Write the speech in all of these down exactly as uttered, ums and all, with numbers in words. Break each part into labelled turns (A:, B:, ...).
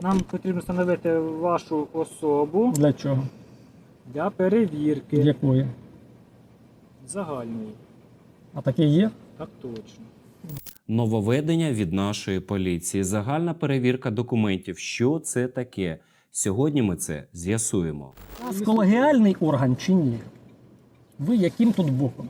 A: Нам потрібно встановити вашу особу
B: Для чого?
A: для перевірки
B: Якої?
A: загальної.
B: А таке є?
A: Так точно.
C: Нововведення від нашої поліції. Загальна перевірка документів. Що це таке? Сьогодні ми це з'ясуємо.
B: У нас колегіальний орган чи ні? Ви яким тут боком?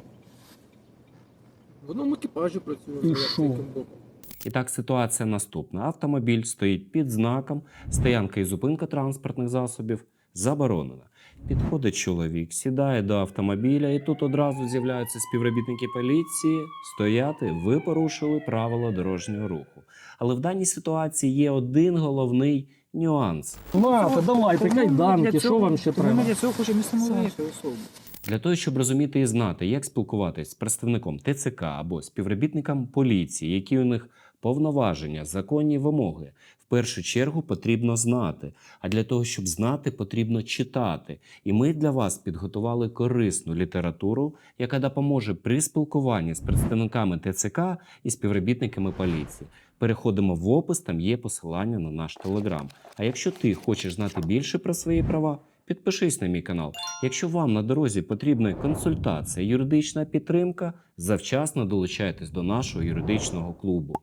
A: В одному екіпажі працює.
B: І
A: за
B: що?
A: яким боком.
C: І так, ситуація наступна. Автомобіль стоїть під знаком, стоянка і зупинка транспортних засобів заборонена. Підходить чоловік, сідає до автомобіля, і тут одразу з'являються співробітники поліції. Стояти, ви порушили правила дорожнього руху. Але в даній ситуації є один головний нюанс.
B: Нате, давайте,
A: Тому ми
B: кайданки,
A: для
B: що
A: цього-
B: вам ще
A: тому
B: треба?
A: Ми для цього хочемо встановити особу.
C: Для того, щоб розуміти і знати, як спілкуватись з представником Те Це Ка або співробітником поліції, які у них повноваження, законні вимоги, в першу чергу потрібно знати. А для того, щоб знати, потрібно читати. І ми для вас підготували корисну літературу, яка допоможе при спілкуванні з представниками Те Це Ка і співробітниками поліції. Переходимо в опис, там є посилання на наш телеграм. А якщо ти хочеш знати більше про свої права, підпишись на мій канал. Якщо вам на дорозі потрібна консультація, юридична підтримка, завчасно долучайтесь до нашого юридичного клубу.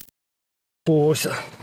B: Ось.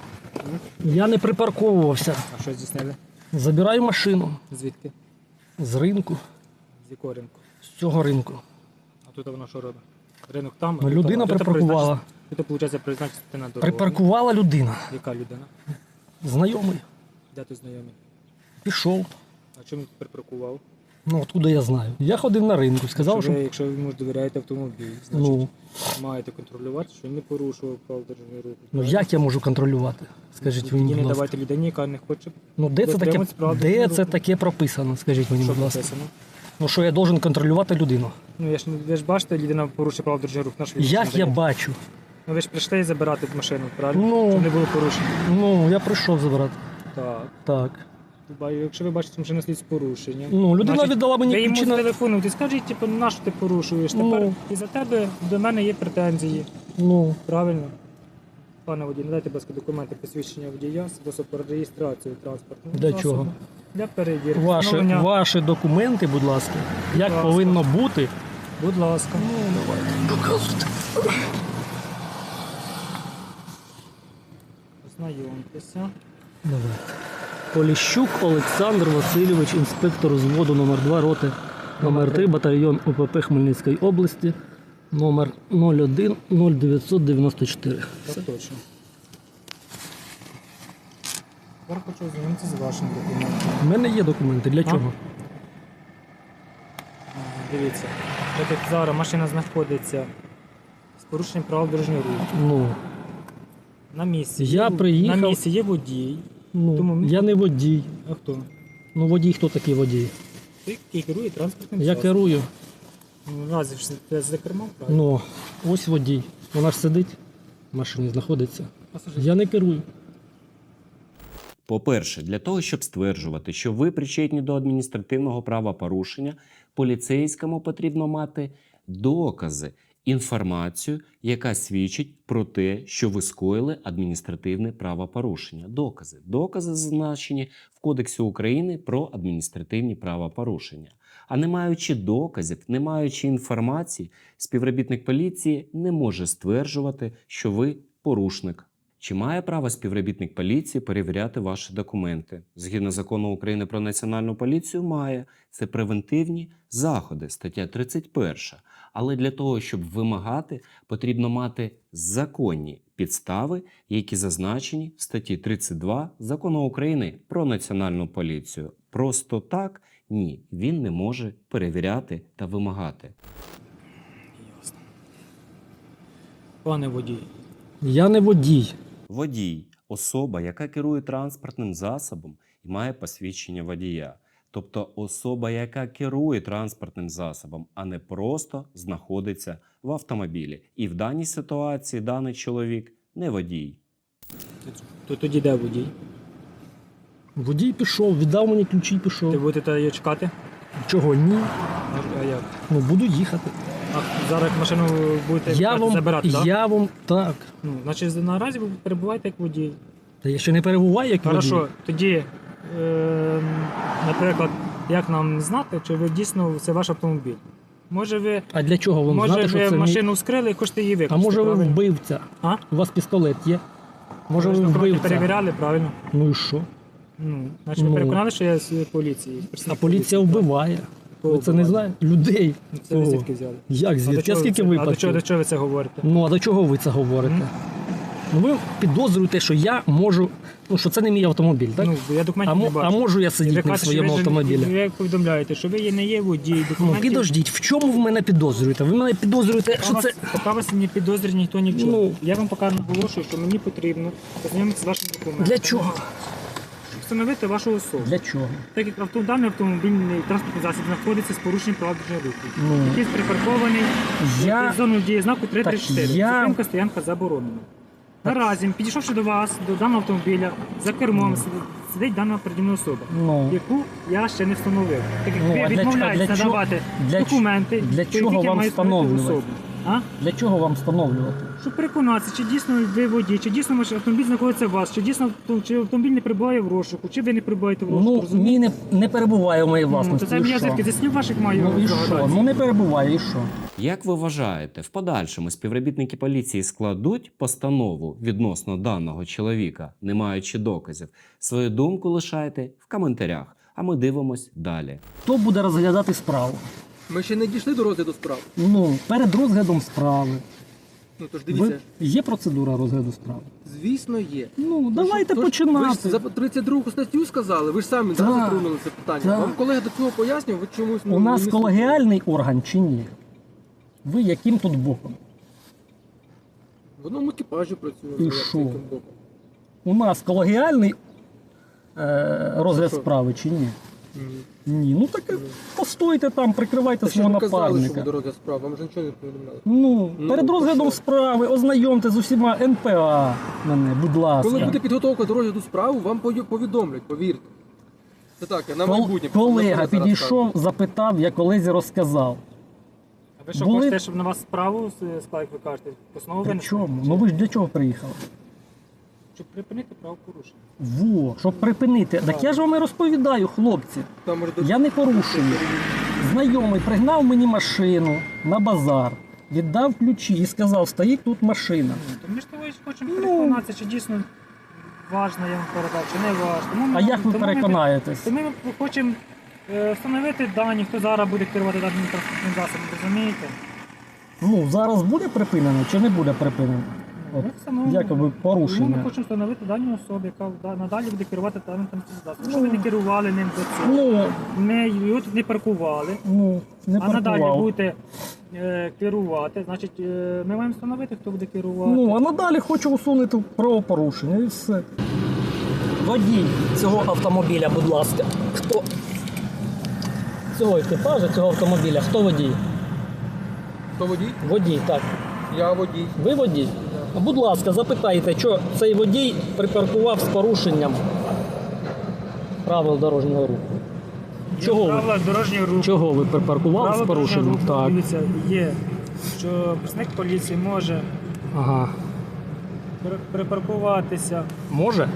B: Я не припарковувався.
A: А що здійснили?
B: Забираю машину
A: Звідки?
B: з ринку,
A: З якого ринку?
B: з цього ринку.
A: А тут вона що робить? Ринок там? а
B: Ну,
A: тут
B: людина
A: там. А тут
B: припаркувала.
A: призначити- Тут, виходить, призначити на дорогу.
B: Припаркувала людина.
A: Яка людина?
B: Знайомий.
A: Де ти знайомий?
B: Пішов.
A: А чому він тут припаркував?
B: Ну, откуда я знаю? Я ходив на ринку, сказав,
A: якщо,
B: що...
A: ви, якщо ви йому довіряєте автомобіль, значить
B: Ну,
A: маєте контролювати, що він не порушував правил дорожнього руху.
B: ну як я можу контролювати? Скажіть
A: Тоді
B: мені,
A: не
B: будь ласка.
A: давайте людині, яка не хоче.
B: Ну, де це таке,
A: дотримуватись правил
B: де
A: дорожнього
B: це
A: руху.
B: таке прописано? Скажіть мені,
A: Що
B: будь ласка.
A: написано?
B: Ну, що я должен контролювати людину?
A: Ну, я ж, не- ви ж бачите, людина порушує правила дорожнього руху. Наш відповідь
B: Як
A: не
B: я
A: дає.
B: бачу?
A: Ну, ви ж прийшли забирати машину, правильно?
B: Ну.
A: Щоб не було порушення.
B: Ну, я прийшов забирати.
A: Так.
B: Так.
A: Ба- Якщо ви бачите, що машина стоїть з порушенням.
B: Ну, людина
A: значить,
B: віддала мені
A: ви йому
B: ключі на...
A: телефонуєте, скажіть, типу, на що ти порушуєш?
B: Ну.
A: Тепер і за тебе до мене є претензії.
B: Ну,
A: Правильно? Пане водій, надайте, будь ласка, документи посвідчення водія, спосіб реєстрації транспортного
B: для
A: засобу.
B: чого?
A: Для перевірки.
B: Ваші,
A: Встановлення-
B: ваші документи, будь ласка, як
A: ласка.
B: повинно бути.
A: Будь ласка.
B: Ну, давайте, доказуйте.
A: Ознайомтеся.
B: Давайте. Поліщук Олександр Васильович, інспектор взводу номер два роти, номер три, батальйон У Пе Пе Хмельницької області, номер нуль один нуль дев'ять дев'ять чотири.
A: Так точно. Тепер хочу ознайомитися з вашим документом.
B: У мене є документи. Для
A: А?
B: чого?
A: А, Дивіться, так як зараз машина знаходиться з порушенням правил дорожнього руху.
B: Ну,
A: На місці.
B: Я
A: є,
B: приїхав-
A: На місці є водій.
B: ну
A: Тому-
B: я не водій.
A: А хто?
B: Ну, водій, хто такий водій?
A: Той, який керує транспортним
B: Я
A: засобом.
B: керую.
A: Ну, Разі ж ти за кермом, правильно?
B: Ну, ось водій. Вона ж сидить, в машині знаходиться.
A: Пасажир.
B: Я не керую.
C: По-перше, для того, щоб стверджувати, що ви причетні до адміністративного правопорушення, поліцейському потрібно мати докази, інформацію, яка свідчить про те, що ви скоїли адміністративне правопорушення. Докази. Докази зазначені в Кодексі України про адміністративні правопорушення. А не маючи доказів, не маючи інформації, співробітник поліції не може стверджувати, що ви порушник. Чи має право співробітник поліції перевіряти ваші документи? Згідно закону України про національну поліцію, має. Це превентивні заходи, стаття тридцять перша. Але для того, щоб вимагати, потрібно мати законні підстави, які зазначені в статті тридцять два закону України про національну поліцію. Просто так – ні, він не може перевіряти та вимагати.
A: Ясно. Пане водій,
B: Я не водій.
C: Водій – особа, яка керує транспортним засобом і має посвідчення водія. Тобто особа, яка керує транспортним засобом, а не просто знаходиться в автомобілі. І в даній ситуації даний чоловік не водій.
A: то тоді де водій?
B: Водій пішов, віддав мені ключі і
A: Ви
B: пішов.
A: будете її чекати?
B: Чого ні?
A: А, а як?
B: Ну, буду їхати.
A: А зараз машину будете
B: Я вам,
A: забирати, так?
B: я вам, так.
A: Ну, значить, наразі ви перебуваєте як водій.
B: Та я ще не перебуваю, як водій.
A: Хорошо, тоді, е, наприклад, як нам знати, чи ви дійсно це ваш автомобіль? Може ви,
B: А для чого вам
A: може,
B: знати, що
A: ви
B: це мій...
A: машину вскрили і хочете її
B: А
A: викласти?
B: може ви
A: правильно?
B: вбивця?
A: А?
B: У вас пістолет є? Може
A: Ви
B: ви
A: ж напроти
B: вбивця?
A: перевіряли, правильно?
B: Ну і що?
A: Ну, значить,
B: Ну.
A: ви переконали, що я з поліції?
B: А
A: представник
B: поліція
A: поліції,
B: вбиває.
A: Хто
B: Ви це не
A: вбиває?
B: знаєте? Людей.
A: так? Це ви
B: Кого?
A: звідки взяли?
B: Як
A: А до
B: звідки? А
A: чого ви
B: скільки
A: це- А до чого,
B: випадків?
A: до чого ви це говорите?
B: Ну, а до чого ви це говорите?
A: М?
B: Ну, ви підозрюєте, що я можу, ну, що це не мій автомобіль, так?
A: Ну, я
B: а,
A: документів
B: мо-
A: не
B: а
A: бачу.
B: можу я
A: І
B: сидіти
A: ви
B: не в
A: кажете, що
B: своєму
A: ви ж-
B: автомобілі?
A: Ви повідомляєте, що ви є, не є водій,
B: Ну,
A: документів.
B: підождіть, в чому ви мене підозрюєте? Ви мене підозрюєте,
A: Поки
B: що
A: вас,
B: це...
A: поки вас не підозрює ніхто ні в чому.
B: Ну.
A: Я вам поки наголошую, що мені потрібно познайомитися з вашим документом.
B: Для чого?
A: Щоб встановити вашу особу.
B: Для чого?
A: Так як авто, даний автомобільний транспортний засіб знаходиться з порушенням прав дорожнього руху.
B: Ну.
A: Який припаркований
B: Я...
A: під зоною дії знаку три три чотири.
B: Так я-
A: Зупинка, стоянка заборонена. Наразі, підійшовши до вас, до даного автомобіля, за кермом сидить, сидить дана передівна особа,
B: Ну.
A: яку я ще не встановив. Так як
B: Ну,
A: ви
B: а для
A: відмовляєтесь
B: чого- для чого-
A: надавати
B: для
A: документи,
B: для
A: по
B: чого
A: яких я
B: вам
A: маю встановити
B: встановлювати?
A: особу. А?
B: Для чого вам встановлювати?
A: Щоб переконатися, чи дійсно ви водій, чи дійсно ваш автомобіль знаходиться у вас, чи дійсно авто- чи автомобіль не перебуває в розшуку, чи ви не перебуваєте в розшуку.
B: Ну,
A: розумієте?
B: мій не, не перебуває у моїй
A: Ну,
B: власності.
A: то це
B: і
A: я
B: що?
A: звідки заснів ваших маю
B: Ну і що?
A: здогадатися.
B: Ну не перебуває, і що?
C: Як ви вважаєте, в подальшому співробітники поліції складуть постанову відносно даного чоловіка, не маючи доказів? Свою думку лишайте в коментарях, а ми дивимось далі.
B: Хто буде розглядати справу?
D: Ми ще не дійшли до розгляду справ.
B: Ну, перед розглядом справи.
D: Ну тож
B: Ви...
D: дивіться,
B: Є процедура розгляду справи?
D: звісно, є.
B: Ну, давайте
D: Тож,
B: починати.
D: Ви ж за тридцять другу статтю сказали, ви ж самі
B: Так,
D: да, затронули це питання.
B: так.
D: Вам колега до цього пояснював, ви чомусь ну,
B: У нас
D: не
B: колегіальний орган чи ні? Ви яким тут боком?
D: слухали. В одному екіпажі працюємо.
B: І
D: за
B: що?
D: яким боком.
B: У нас колегіальний е, розгляд
D: Що?
B: справи чи ні?
D: Ні.
B: Ні. Ну так і постойте там, прикривайте
D: Та що
B: свого
D: ви казали, що
B: напарника.
D: буде розгляд справ, вам ж нічого не повідомляли.
B: Ну,
D: Ну,
B: перед
D: то
B: розглядом
D: що?
B: справи ознайомте з усіма ен пе а мене, будь ласка.
D: Коли буде підготовка до розгляду справи, вам пою- повідомлять, повірте. Це так, я на
B: Кол-
D: майбутнє.
B: Колега
D: наперед зараз
B: підійшов,
D: кажу.
B: запитав, я колезі розказав.
A: А ви що
B: Були-
A: хочете, щоб на вас справу склали, як ви кажете, постанову
B: При
A: винесли?
B: чому? Ну ви ж для чого приїхали?
A: Щоб припинити правопорушення.
B: Во, щоб припинити. Так я ж вам і розповідаю, хлопці.
D: Там може до-
B: Я не порушую. Знайомий пригнав мені машину на базар, віддав ключі і сказав, стоїть тут машина.
A: Ну, то ми ж того і хочемо
B: Ну.
A: переконатися, чи дійсно важно я вам передав, чи не важно. Тому ми-
B: А як ви
A: тому ми-
B: переконаєтесь?
A: То ми хочемо е, встановити дані, хто зараз буде керувати даним транспортним засобом, розумієте?
B: Ну, зараз буде припинено чи не буде припинено? От,
A: Ми встановимо.
B: якоби
A: Тому ми
B: порушення.
A: хочемо встановити дані особи, яка да- надалі буде керувати даним транспортним засобом. Якщо ви не керували ним до цього,
B: Ну,
A: не, його тут не паркували,
B: ну, не
A: а надалі
B: паркував.
A: будете е, керувати, значить е, ми маємо встановити, хто буде керувати.
B: Ну, а надалі хочу усунути правопорушення і все. Водій цього автомобіля, будь ласка. Хто? Цього екіпажа, цього автомобіля, хто водій?
D: Хто водій?
B: Водій, так.
D: Я водій.
B: Ви водій? Будь ласка, запитайте, що цей водій припаркував з порушенням правил дорожнього руху. Чого ви?
A: Правила дорожнього руху.
B: Чого ви припаркував
A: Правила
B: з
A: дорожнього
B: порушенням?
A: руху,
B: Так.
A: дивіться, є, що представник поліції може
B: Ага.
A: при- припаркуватися.
B: Може?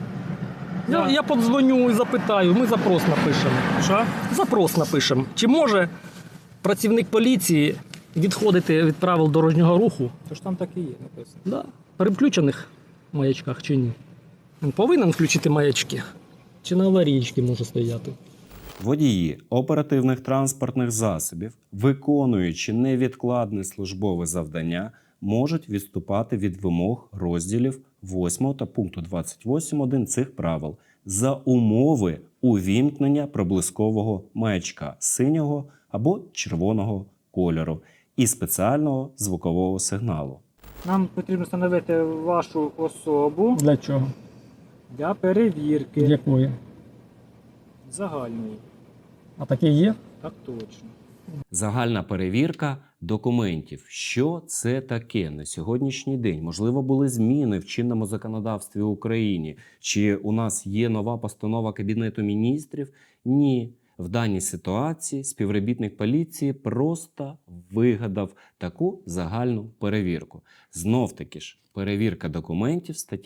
B: Я,
A: Да.
B: я подзвоню і запитаю, ми запрос напишемо.
A: Що?
B: Запрос напишемо. Чи може працівник поліції відходити від правил дорожнього руху?
A: То ж там так і є написано.
B: Да. При включених маячках чи ні? Він повинен включити маячки? Чи на аварійці може стояти?
C: Водії оперативних транспортних засобів, виконуючи невідкладне службове завдання, можуть відступати від вимог розділів восьмого та пункту двадцять восьм один цих правил за умови увімкнення проблискового маячка синього або червоного кольору і спеціального звукового сигналу.
A: Нам потрібно встановити вашу особу
B: Для чого?
A: для перевірки
B: Якої?
A: загальної.
B: А таке є?
A: Так точно.
C: Загальна перевірка документів. Що це таке на сьогоднішній день? Можливо, були зміни в чинному законодавстві України? Чи у нас є нова постанова Кабінету міністрів? Ні. В даній ситуації співробітник поліції просто вигадав таку загальну перевірку. Знов-таки ж, перевірка документів, стаття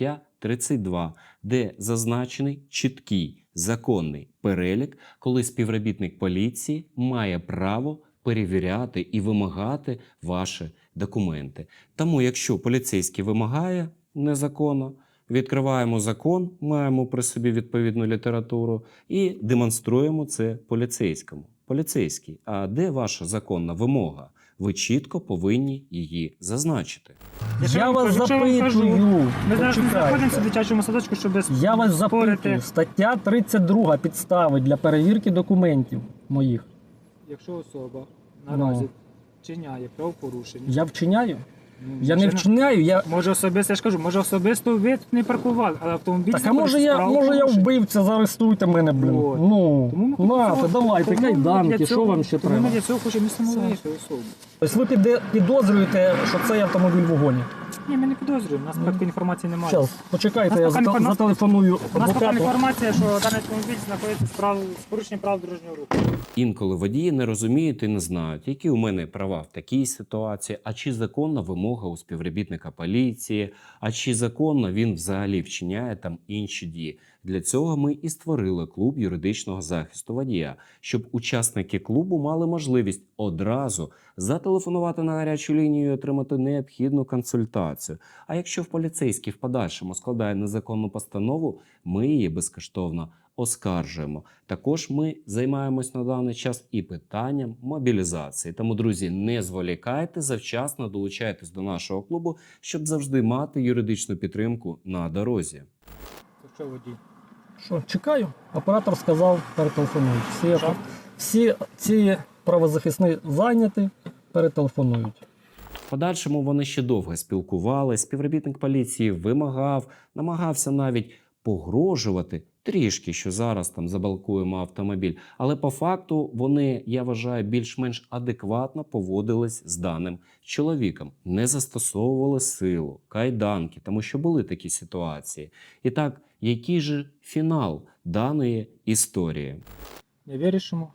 C: тридцять два, де зазначений чіткий законний перелік, коли співробітник поліції має право перевіряти і вимагати ваші документи. Тому, якщо поліцейський вимагає незаконно, відкриваємо закон, маємо при собі відповідну літературу і демонструємо це поліцейському. Поліцейський, а де ваша законна вимога? Ви чітко повинні її зазначити.
A: Якщо
B: Я
A: вам
B: вас
A: кажу, що я вам кажу,
B: запитую.
A: Ми зараз не
B: почекайте.
A: знаходимося в дитячому садочку, щоб
B: Я вас
A: спорити.
B: запитую. Стаття тридцять два підстави для перевірки документів моїх.
A: Якщо особа
B: Ну.
A: наразі вчиняє правопорушення,
B: Я вчиняю?
A: ну,
B: Я не
A: звичайно,
B: вчиняю, я.
A: Може особисто, я ж кажу, може особисто ви тут не паркували, але автомобіль
B: Так, а може
A: знаходиться
B: я,
A: з
B: може я
A: правопорушенням.
B: вбивця, заарештуйте мене, блин.
A: От.
B: Ну,
A: Тому ми
B: нате,
A: хочемо-
B: давайте,
A: тому ми
B: кайданки,
A: для
B: що
A: цього-
B: вам ще
A: тому
B: треба?
A: Ми для цього хочемо встановити особу.
B: Тобто ви піде- підозрюєте, що цей автомобіль в вогоні?
A: Ні, ми не підозрюємо, у нас такої інформації немає.
B: Зараз, почекайте,
A: Нас
B: я
A: поки не
B: зате-
A: інформа-
B: зателефоную
A: У нас така
B: адвокату.
A: інформація, що даний автомобіль знаходиться з, прав... з порушенням прав дорожнього руху.
C: Інколи водії не розуміють і не знають, які у мене права в такій ситуації, а чи законна вимога у співробітника поліції, а чи законно він взагалі вчиняє там інші дії. Для цього ми і створили клуб юридичного захисту водія, щоб учасники клубу мали можливість одразу зателефонувати на гарячу лінію і отримати необхідну консультацію. А якщо в поліцейський в подальшому складає незаконну постанову, ми її безкоштовно оскаржуємо. Також ми займаємось на даний час і питанням мобілізації. Тому, друзі, не зволікайте, завчасно долучайтесь до нашого клубу, щоб завжди мати юридичну підтримку на дорозі.
A: Це що водій?
B: Що, чекаю? Оператор сказав, перетелефонують. Всі,
A: Що?
B: всі ці правозахисні зайняті, перетелефонують.
C: В подальшому вони ще довго спілкувалися, співробітник поліції вимагав, намагався навіть погрожувати трішки, що зараз там заблокуємо автомобіль. Але по факту вони, я вважаю, більш-менш адекватно поводились з даним чоловіком. Не застосовували силу, кайданки, тому що були такі ситуації. І так, який же фінал даної історії?
A: Ми вирішимо.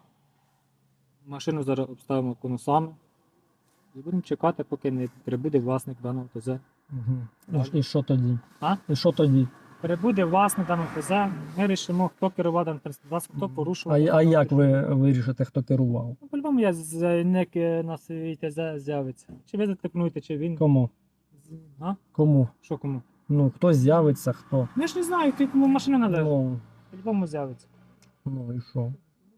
A: Машину зараз обставимо конусами. І будемо чекати, поки не прибуде власник даного ТЗ.
B: Угу. І що тоді?
A: А?
B: І що тоді?
A: Прибуде власник даного ТЗ, ми вирішимо, хто керував даним транспортним засобом, хто
B: А,
A: порушував.
B: а як ви вирішите, хто керував?
A: Ну, по-любому я заявник на свій ТЗ з'явиться. Чи ви зателефонуєте, чи він.
B: Кому?
A: З- А?
B: Кому?
A: Що кому?
B: Ну, хто з'явиться, хто?
A: Ну, я ж не знаю, ти кому машина належить.
B: Ну,
A: По-любому з'явиться.
B: ну і що?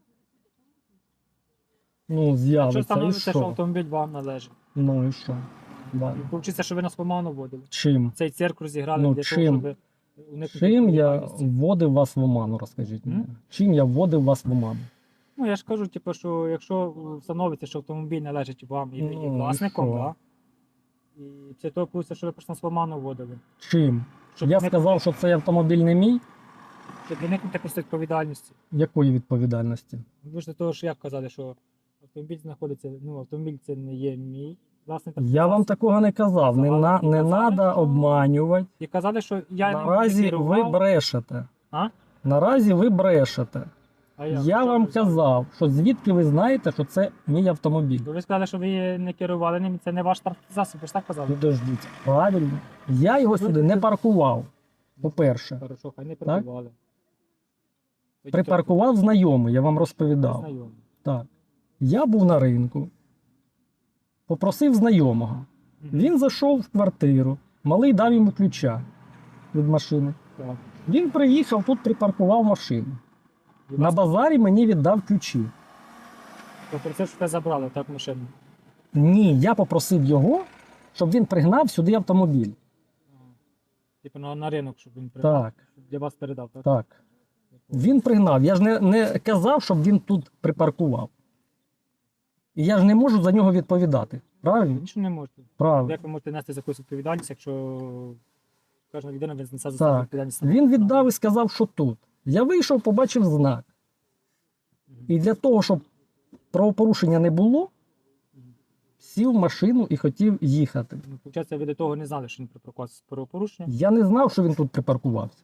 B: Ну,
A: Якщо
B: з'явиться, і
A: встановиться, що
B: що?
A: автомобіль вам належить.
B: Ну і що? Да.
A: І виходить, що ви нас поману водили.
B: Чим?
A: Цей цирк розіграли
B: Ну,
A: для
B: чим?
A: того, щоб уникнути
B: Чим я
A: відповідальності.
B: вводив вас в оману, розкажіть мені?
A: М?
B: Чим я вводив вас в оману?
A: Ну, я ж кажу, типу, що якщо встановиться, що автомобіль належить вам і, і
B: Ну, і
A: власником,
B: що?
A: да? І після того виходить, що ви просто нас в оману водили.
B: Чим?
A: Щоб
B: Я
A: уникнути-
B: сказав, що цей автомобіль не мій.
A: Щоб уникнути просто відповідальності.
B: Якої відповідальності?
A: Ви ж до того, що як казали, що автомобіль знаходиться, ну, автомобіль це не є мій. Власник
B: Я вам такого не казав. Не, на, не
A: Казали,
B: треба
A: що-
B: обманювати.
A: І казали, що я
B: Наразі
A: не
B: ви
A: керував.
B: брешете.
A: А?
B: Наразі ви брешете.
A: А
B: Я
A: Що
B: вам
A: ви сказали?
B: казав, що звідки ви знаєте, що це мій автомобіль.
A: Бо ви сказали, що ви не керували ним, це не ваш транспортний засіб, ви ж так казали?
B: Підождіть. Правильно. Я його сюди не паркував. По-перше,
A: Хорошо, хай не прибували.
B: припаркував знайомий, я вам розповідав.
A: Знайомі.
B: Так. Я був на ринку, попросив знайомого.
A: Мгм.
B: Він зайшов в квартиру, малий дав йому ключа від машини.
A: Так.
B: Він приїхав, тут припаркував машину.
A: І
B: На
A: вас-
B: базарі мені віддав ключі.
A: То про це, що ви забрали, так, машину.
B: Ні, я попросив його, щоб він пригнав сюди автомобіль.
A: Типу на, на ринок, щоб він придав.
B: Так,
A: Щоб для вас передав, так?
B: так. Він пригнав. Я ж не, не казав, щоб він тут припаркував. І я ж не можу за нього відповідати. Правильно?
A: Нічого не можете.
B: Правильно.
A: Як ви можете нести за якусь відповідальність, якщо кожна людина несе за
B: Так.
A: себе відповідальність?
B: Він віддав і сказав, що тут. Я вийшов, побачив знак.
A: Мгм.
B: І для того, щоб правопорушення не було, сів в машину і хотів їхати.
A: Ну, Получається, ви до того не знали, що він припаркувався з правопорушення.
B: Я не знав, що він тут припаркувався.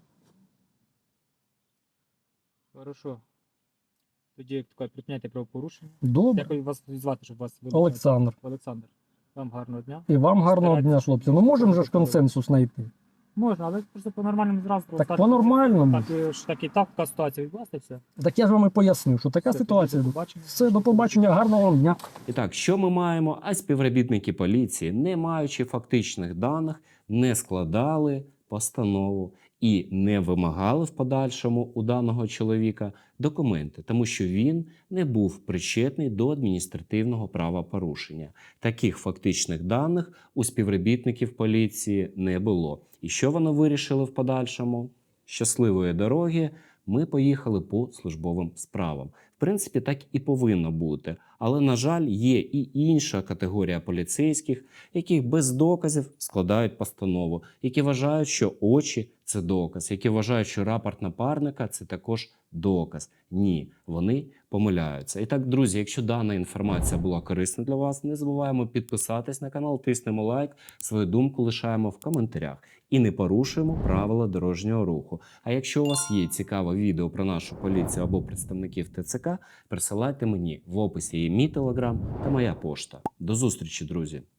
A: Хорошо. Тоді, як таке, припиняйте правопорушення.
B: Добре.
A: Як вас звати, щоб вас вилучати?
B: Олександр.
A: Олександр. Вам гарного дня.
B: І вам гарного
A: Старайтесь,
B: дня,
A: щоб
B: хлопці. Ну можемо же ж
A: було.
B: консенсус знайти.
A: Можна, але просто по-нормальному зразу.
B: Так по-нормальному.
A: Так, і ж так і так така ситуація відбулася, і все.
B: Так я ж вам і пояснив, що така
A: Все,
B: ситуація.
A: тоді до побачення.
B: Все, до побачення, гарного вам дня.
C: І так, що ми маємо? А співробітники поліції, не маючи фактичних даних, не складали постанову і не вимагали в подальшому у даного чоловіка документи, тому що він не був причетний до адміністративного правопорушення. Таких фактичних даних у співробітників поліції не було. І що вони вирішили в подальшому? Щасливої дороги, ми поїхали по службовим справам. В принципі, так і повинно бути. Але, на жаль, є і інша категорія поліцейських, які без доказів складають постанову, які вважають, що очі – це доказ, які вважають, що рапорт напарника – це також доказ. Ні, вони помиляються. І так, друзі, якщо дана інформація була корисна для вас, не забуваємо підписатись на канал, тиснемо лайк, свою думку лишаємо в коментарях. І не порушуємо правила дорожнього руху. А якщо у вас є цікаве відео про нашу поліцію або представників ТЦК, присилайте мені. В описі є мій телеграм та моя пошта. До зустрічі, друзі!